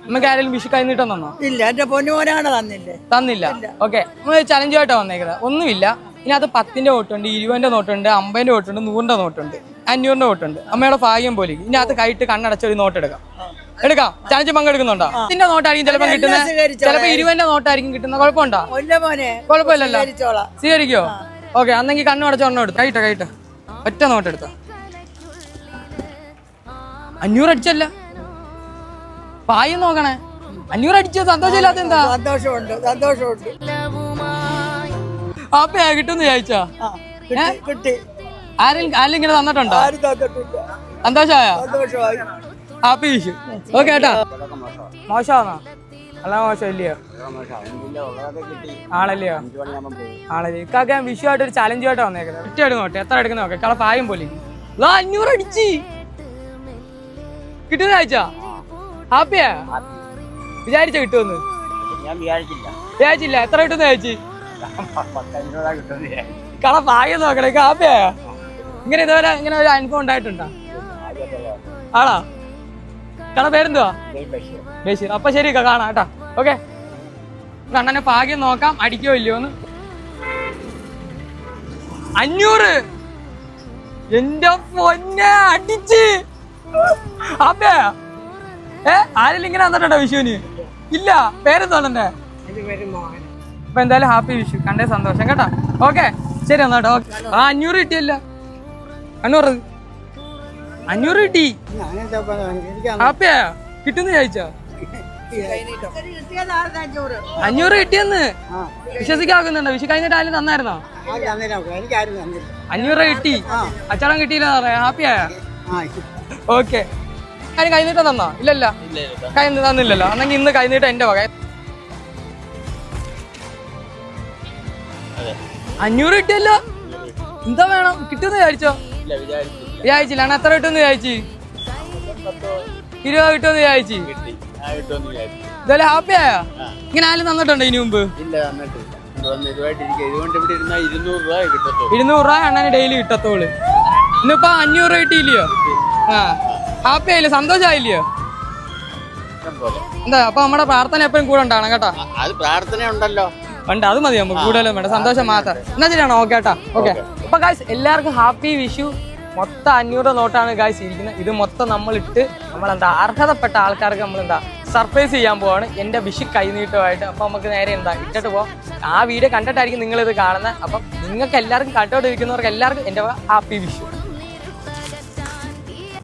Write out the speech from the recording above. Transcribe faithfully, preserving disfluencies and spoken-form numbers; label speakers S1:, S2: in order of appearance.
S1: നമുക്ക് ആരെങ്കിലും വിഷു കൈ നീട്ടം തന്നോ?
S2: ഇല്ല, എന്റെ പൊന്നുമോനാണ് തന്നില്ലേ.
S1: തന്നില്ല. ഓക്കെ, നമ്മൾ ചലഞ്ചുമായിട്ടാണ് വന്നേക്കുന്നത്. ഒന്നുമില്ല. ഇതിനകത്ത് പത്തിന്റെ നോട്ടുണ്ട്, ഇരുപതിന്റെ നോട്ടുണ്ട്, അമ്പതിന്റെ നോട്ടുണ്ട്, നൂറിന്റെ നോട്ടുണ്ട്, അഞ്ഞൂറിന്റെ നോട്ടുണ്ട്. അമ്മയുടെ ഭാഗ്യം പോലെ ഇതിനകത്ത് കൈയിട്ട് കണ്ണടച്ച ഒരു നോട്ട് എടുക്കാം. എടുക്കാം. ചലഞ്ച് പങ്കെടുക്കുന്നുണ്ടോ? പത്തിന്റെ നോട്ടായിരിക്കും ചിലപ്പോൾ കിട്ടുന്നത്, ചിലപ്പോൾ ഇരുപതിന്റെ നോട്ടായിരിക്കും കിട്ടുന്നത്. കുഴപ്പമുണ്ടോ? കുഴപ്പമില്ലല്ലോ. സ്വീകരിക്കോ? ഓക്കെ, അന്നെങ്കിൽ കണ്ണടച്ച ഒരെണ്ണം എടുത്തു. കൈട്ട കൈട്ട ഒറ്റ നോട്ട് എടുത്ത. അഞ്ഞൂറ് അടിച്ചല്ല, പായം നോക്കണേ. അഞ്ഞൂറ് അടിച്ചത് സന്തോഷമില്ലാത്ത എന്താ?
S2: സന്തോഷമുണ്ട്, സന്തോഷമുണ്ട്.
S1: അപ്പയാ കിട്ടുമെന്ന് ചോദിച്ചാ? ആരെങ്കിലും ആരെങ്കിലും ഇങ്ങനെ തന്നിട്ടുണ്ടോ? സന്തോഷമായ? ഹാപ്പി വിഷു. ഓക്കെ ഏട്ടാ. മോശമാണോ? അല്ല മോശം ഇല്ലയോ? ആണല്ലയോ? ആണല്ലേ. ഇക്കാക്ക വിഷു ആയിട്ട് ഒരു ചലഞ്ചുമായിട്ട് വന്നേക്കുന്നത്. ഒറ്റ എടുക്കും നോട്ടെ, എത്ര എടുക്കുന്ന നോക്കെ. കള പായം പോലെ അഞ്ഞൂറ് അടിച്ച് കിട്ടുന്ന ചോദിച്ചാ? ഹാപ്പിയാ? വിചാരിച്ച കിട്ടുമെന്ന്? വിചാരിച്ചില്ല. എത്ര കിട്ടുന്ന ചോദിച്ചു? കള പായം നോക്കണേ. ഹാപ്പിയാ? ഇങ്ങനെ ഇതുവരെ ഇങ്ങനെ ഒരു അനുഭവം ഉണ്ടായിട്ടുണ്ടോ? ആണോ? കട പേരെന്തുവാ? ബഷീർ. അപ്പൊ ശരി കാണാം കേട്ടാ. ഓക്കെ, കണ്ണനെ ഭാഗ്യം നോക്കാം അടിക്കോ ഇല്ലയോന്ന്. അഞ്ഞൂറ്. എന്റെ പൊന്നെ അടിച്ച്. അപ്പേ ഏ ആരെങ്കിലും ഇങ്ങനെ വന്നിട്ടുണ്ടോ വിഷുവിന്? ഇല്ല. പേരെന്തോന്നെ? അപ്പൊ എന്തായാലും ഹാപ്പി വിഷു. കണ്ടേ സന്തോഷം കേട്ടാ. ഓക്കെ ശരി എന്നാട്ടോ. ആ അഞ്ഞൂറ് കിട്ടിയല്ല. അഞ്ഞൂറ് അഞ്ഞൂറ് കിട്ടി. ഹാപ്പിയാ? കിട്ടുന്ന ചോദിച്ചാ? അഞ്ഞൂറ് കിട്ടിയെന്ന് വിശ്വസിക്കാക്കുന്നുണ്ടോ? വിഷു കഴിഞ്ഞിട്ട് ആരും തന്നായിരുന്നോ? അഞ്ഞൂറ് കിട്ടി. അച്ചടം കിട്ടിയില്ല പറയാ. ഹാപ്പിയായ? ഓക്കെ. അതിന് കൈനീട്ടം തന്നോ? ഇല്ലല്ല, കൈ തന്നില്ലല്ലോ. അന്നെങ്കിൽ ഇന്ന് കൈനീട്ടം എന്റെ വക. അഞ്ഞൂറ് കിട്ടിയല്ലോ. എന്താ വേണം? കിട്ടുമെന്ന് വിചാരിച്ചോ? വിചാരിച്ചില്ല. അണ്ണ എത്ര കിട്ടുമെന്ന് വിചാരിച്ചു? ഇരുപത് കിട്ടുമെന്ന് വിചാരിച്ചു. ഇതല്ലേ ഹാപ്പിയായ? ഇങ്ങനെ ആരും തന്നിട്ടുണ്ടോ ഇതിനു മുമ്പ്? ഇരുന്നൂറ് രൂപ അണ്ണന് ഡെയിലി കിട്ടത്തോള്. ഇന്നിപ്പോ അഞ്ഞൂറ് കിട്ടിയില്ലയോ? ആ ഹാപ്പി ആയില്ലേ? സന്തോഷമായില്ലയോ? എന്താ അപ്പൊ നമ്മുടെ പ്രാർത്ഥന എപ്പോഴും കൂടെ ഉണ്ടാവണം കേട്ടോ.
S3: പ്രാർത്ഥന ഉണ്ടല്ലോ.
S1: ഉണ്ട്, അത് മതി. നമുക്ക് കൂടുതലും വേണ്ട, സന്തോഷം മാത്രം. എന്നാ ശരിയാണോ? ഓക്കെ കേട്ടാ. ഓക്കെ. അപ്പൊ ഗായ്സ് എല്ലാവർക്കും ഹാപ്പി വിഷു. മൊത്തം അഞ്ഞൂറ് നോട്ടാണ് ഗായ്സ് ഇരിക്കുന്നത്. ഇത് മൊത്തം നമ്മളിട്ട് നമ്മളെന്താ അർഹതപ്പെട്ട ആൾക്കാർക്ക് നമ്മളെന്താ സർപ്രൈസ് ചെയ്യാൻ പോവാണ് എൻ്റെ വിഷു കൈനീട്ടമായിട്ട്. അപ്പം നമുക്ക് നേരെ എന്താ ഇട്ടിട്ട് പോവാം. ആ വീഡിയോ കണ്ടിട്ടായിരിക്കും നിങ്ങളിത് കാണുന്നത്. അപ്പം നിങ്ങൾക്ക് എല്ലാവർക്കും കണ്ടോണ്ടിരിക്കുന്നവർക്ക് എല്ലാവർക്കും എൻ്റെ ഹാപ്പി വിഷു.